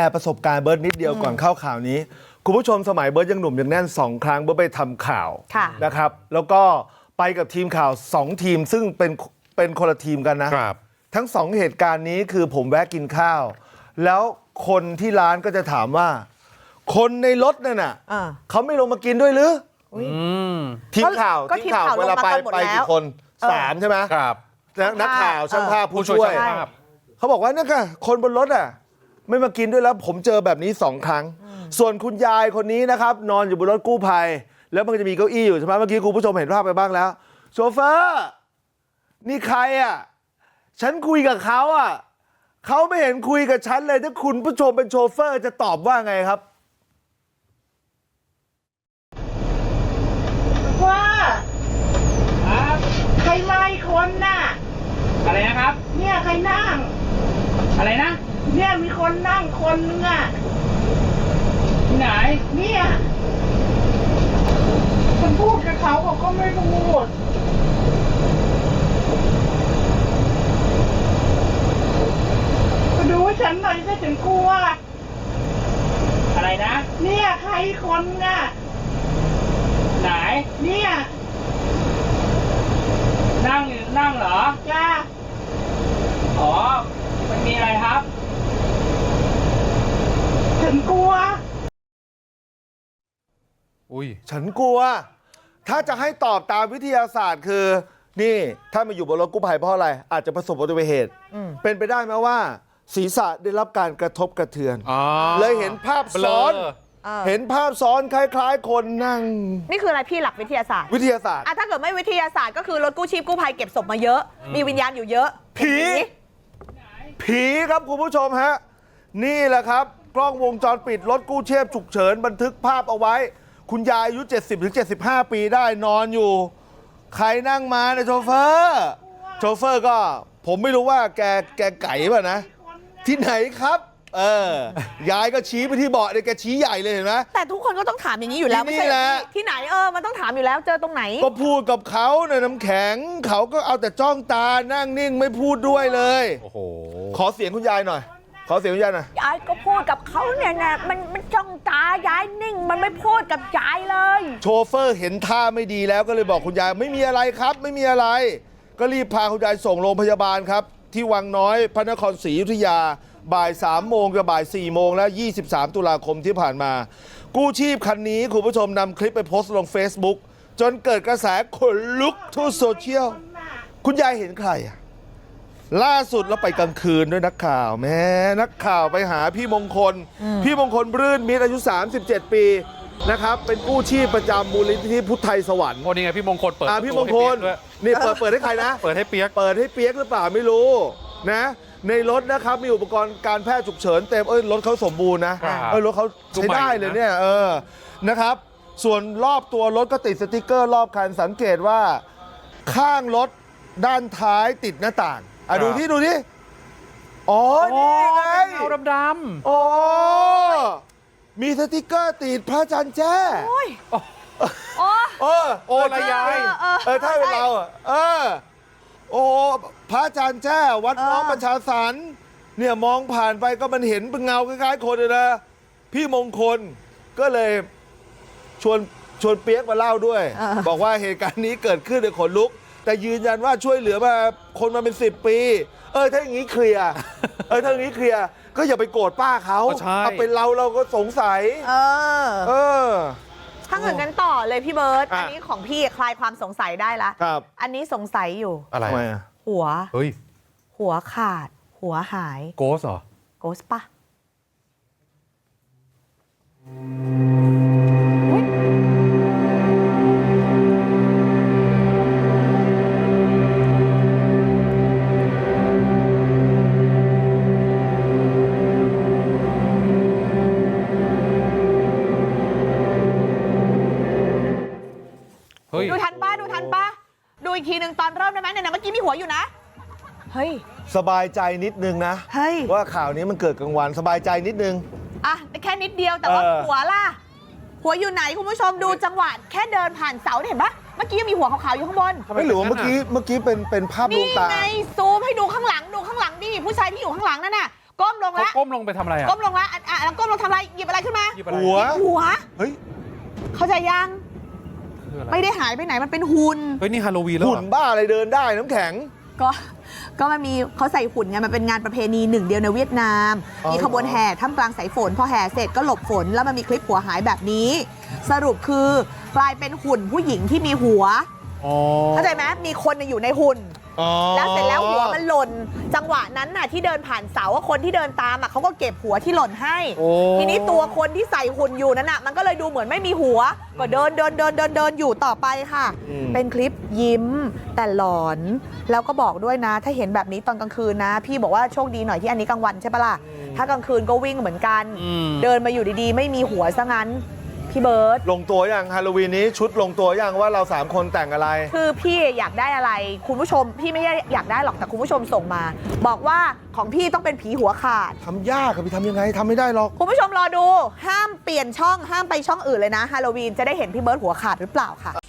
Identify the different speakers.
Speaker 1: ร์ประสบการณ์เบิร์ดนิดเดียวก่อนเข้าข่าวนี้คุณผู้ชมสมัยเบิร์ดยังหนุ่มยังแน่น2 ครั้งเบิร์ดไปทำข่าวนะครับแล้วก็ไปกับทีมข่าว2 ทีมซึ่งเป็นคนละทีมกันนะครับทั้ง2 เหตุการณ์นี้คือผมแวะกินข้าวแล้วคนที่ร้านก็จะถามว่าคนในรถนั่นน่ะเขาไม่ลงมากินด้วยหรือทีมข่าวเวลาไปกี่คน3ใช่ไหมครับนักข่าวช่างภาพผู้ช่วยเขาบอกว่าเนี่ยค่ะคนบนรถอ่ะไม่มากินด้วยแล้วผมเจอแบบนี้2 ครั้งส่วนคุณยายคนนี้นะครับนอนอยู่บนรถกู้ภัยแล้วมันก็จะมีเก้าอี้อยู่ใช่ไหมเมื่อกี้คุณผู้ชมเห็นภาพไปบ้างแล้วโชเฟอร์นี่ใครอ่ะฉันคุยกับเขาอ่ะเขาไม่เห็นคุยกับฉันเลยถ้าคุณผู้ชมเป็นโชเฟอร์จะตอบว่าไงครับ
Speaker 2: ว่าใครมาอีกคนน่ะ
Speaker 3: อะไรนะครับ
Speaker 2: เนี่ยใครนั่ง
Speaker 3: อะไรนะ
Speaker 2: เนี่ยมีคนนั่งคนนึงอ่ะ
Speaker 3: ที่ไหน
Speaker 2: เนี่ยฉันพูดกับเขาก็ไม่พูดมาดูให้ฉันหน่อยสิฉันกลัว
Speaker 3: อะไรนะ
Speaker 2: เนี่ยใครคนน่ะ
Speaker 3: ไหน
Speaker 2: เนี่ย
Speaker 3: นั่งเหรอ
Speaker 2: จ้า
Speaker 3: อ๋อมันมีอะไรครับ
Speaker 2: ฉันกลัว
Speaker 1: ฉันกลัวถ้าจะให้ตอบตามวิทยาศาสตร์คือนี่ถ้ามาอยู่บนรถกู้ภัยเพราะอะไรอาจจะประสบอุบัติเหตุเป็นไปได้ไหมว่าศีรษะได้รับการกระทบกระเทือนเลยเห็นภาพซ้อนเห็นภาพซ้อนคล้ายๆคนนั่ง
Speaker 4: นี่คืออะไรพี่หลักวิทยาศาสตร์ถ้าเกิดไม่วิทยาศาสตร์ก็คือรถกู้ชีพกู้ภัยเก็บศพมาเยอะมีวิญญาณอยู่เยอะ
Speaker 1: ผีครับคุณผู้ชมฮะนี่แหละครับกล้องวงจรปิดรถกู้ชีพฉุกเฉินบันทึกภาพเอาไว้คุณยายอายุ 70-75 ปีได้นอนอยู่ใครนั่งมาเนี่ยโชเฟอร์ก็ผมไม่รู้ว่าแกไก่ป่ะนะที่ไหนครับยายก็ชี้ไปที่เบาะเลยแกชี้ใหญ่เลยเห็นไหม
Speaker 4: แต่ทุกคนก็ต้องถามอย่างนี้อยู่แล้วไม่ใช่ที่ไหนมันต้องถามอยู่แล้วเจอตรงไหน
Speaker 1: ก็พูดกับเขาในน้ำแข็งเขาก็เอาแต่จ้องตานั่งนิ่งไม่พูดด้วยเลยโอ้โหขอเสียงคุณยายหน่อยขอเสียงคุณยายหน่อย
Speaker 4: ยายก็พูดกับเขาเนี่ยนะมันจ้องตายายนิ่งมันไม่พูดกับยายเลย
Speaker 1: โชเฟอร์เห็นท่าไม่ดีแล้วก็เลยบอกคุณยายไม่มีอะไรครับไม่มีอะไรก็รีบพาคุณยายส่งโรงพยาบาลครับที่วังน้อยพระนครศรีอยุธยาบ่าย3 โมงกับบ่าย4 โมงแล้ว23 ตุลาคมที่ผ่านมากู้ชีพคันนี้คุณผู้ชมนำคลิปไปโพสต์ลง Facebook จนเกิดกระแสขนลุกทั่วโซเชียลคุณยายเห็นใครอ่ะล่าสุดเราไปกลางคืนด้วยนักข่าวแม่นักข่าวไปหาพี่มงคลรื่นมิตรอายุ37 ปีนะครับเป็นกู้ชีพประจำมูลนิธิพุทธไทยสวรรค์
Speaker 5: โอ้นี่ไงพี่มงคลเปิด
Speaker 1: พี่มงคลนี่เปิดให้ใครนะ
Speaker 5: เปิดให้เปียก
Speaker 1: หรือเปล่าไม่รู้นะในรถนะครับมีอุปกรณ์การแพทย์ฉุกเฉินเต็มรถเขาสมบูรณ์นะรถเขาใช้ได้เลยเนี่ยนะครับส่วนรอบตัวรถก็ติดสติ๊กเกอร์รอบคันสังเกตว่าข้างรถด้านท้ายติดหน้าต่างดูที่อ๋อนี่ไง
Speaker 5: เงาดำ
Speaker 1: ๆอ๋อมีสติ๊กเกอร์ติดพระจันทร์แจ้
Speaker 5: โอ้ละยาย
Speaker 1: ถ้าเป็นเราโอ้พระอาจารย์แจ้วัดน้องประชาสรรค์เนี่ยมองผ่านไปก็มันเห็นเป็นเงาคล้ายๆคนเลยนะพี่มงคลก็เลยชวนเปียกมาเล่าด้วยบอกว่าเหตุการณ์นี้เกิดขึ้นในขนลุกแต่ยืนยันว่าช่วยเหลือมาคนมาเป็น10 ปีถ้าอย่างนี้เคลียร์ก็อย่าไปโกรธป้าเขาถ้าเป็นเราก็สงสัย
Speaker 4: ถ้าเกิดกันต่อเลยพี่เบิร์ตอันนี้ของพี่คลายความสงสัยได้ละอันนี้สงสัยอยู่
Speaker 5: อะไร
Speaker 4: หัวขาดหัวหาย
Speaker 5: โกสเหรอ
Speaker 4: โกสปะดูทันปะดูอีกทีหนึ่งตอนเริ่มได้ไหมเนี่ยเมื่อกี้มีหัวอยู่นะเฮ้ย
Speaker 1: สบายใจนิดนึงนะว่าข่าวนี้มันเกิดกลางวันสบายใจนิดนึง
Speaker 4: แค่นิดเดียวแต่ว่าหัวล่ะหัวอยู่ไหนคุณผู้ชมดูจังหวะแค่เดินผ่านเสาเห็นปะเมื่อกี้มีหัวขาวๆอยู่ข้างบน
Speaker 1: ไม่หรือว่าเมื่อกี้เป็นภาพลวงตา
Speaker 4: นี่ไงซูมให้ดูข้างหลังดิผู้ชายที่อยู่ข้างหลังนั่นน่ะก้มลงแล้ว
Speaker 5: ก้มลงไปทำอะไร
Speaker 4: ก้มลงแล้วก้มลงทำอะไรหยิบอะไรขึ้นมา
Speaker 5: หยิบอะไร
Speaker 1: หัว
Speaker 4: หัว
Speaker 1: เฮ้ย
Speaker 4: เข้าใจยัง
Speaker 5: คืออะไร
Speaker 4: ไม่ได้หายไปไหนมันเป็นหุ่น
Speaker 5: เฮ้ยนี่ฮาโลวีนแล้ว
Speaker 1: หุ่
Speaker 5: เห
Speaker 1: น
Speaker 5: รอ
Speaker 1: บ้าอะไรเดินได้น้ำแข็ง
Speaker 4: ก็มันมีเขาใส่หุ่นไงมันเป็นงานประเพณีหนึ่งเดียวในเวียดนาม
Speaker 1: อ๋อ
Speaker 4: มีขบวนแห่ท่ามกลางสายฝนพอแห่เสร็จก็หลบฝนแล้วมันมีคลิปหัวหายแบบนี้ สรุปคือกลายเป็นหุ่นผู้หญิงที่มีหัว
Speaker 5: อ๋อ
Speaker 4: เข้าใจไหมมีคนอยู่ในหุ่น
Speaker 1: อ๋อ
Speaker 4: แล้วเสร็จแล้วหัวมันหล่นจังหวะนั้นน่ะที่เดินผ่านเสาว่าคนที่เดินตามอ่ะเขาก็เก็บหัวที่หล่นให้
Speaker 5: โอ้
Speaker 4: ทีนี้ตัวคนที่ใส่หุ่นอยู่นั้นน่ะมันก็เลยดูเหมือนไม่มีหัวก็เดินอยู่ต่อไปค่ะ เป็นคลิปยิ้มแต่หลอน แล้วก็บอกด้วยนะ ถ้าเห็นแบบนี้ตอนกลางคืนนะ พี่บอกว่าโชคดีหน่อยที่อันนี้กลางวันใช่ปะล่ะถ้ากลางคืนก็วิ่งเหมือนกัน เดินมาอยู่ดีๆ ไม่มีหัวซะงั้นพี่เบิร์ต
Speaker 1: ลงตัวยังฮาโลวีนนี้ชุดลงตัวยังว่าเรา3คนแต่งอะไร
Speaker 4: คือพี่อยากได้อะไรคุณผู้ชมพี่ไม่ได้อยากได้หรอกแต่คุณผู้ชมส่งมา บอกว่าของพี่ต้องเป็นผีหัวขาด
Speaker 1: ทำยากอะพี่ทำยังไงทำไม่ได้หรอก
Speaker 4: คุณผู้ชมรอดูห้ามเปลี่ยนช่องห้ามไปช่องอื่นเลยนะฮาโลวีนจะได้เห็นพี่เบิร์ตหัวขาดหรือเปล่าค่ะ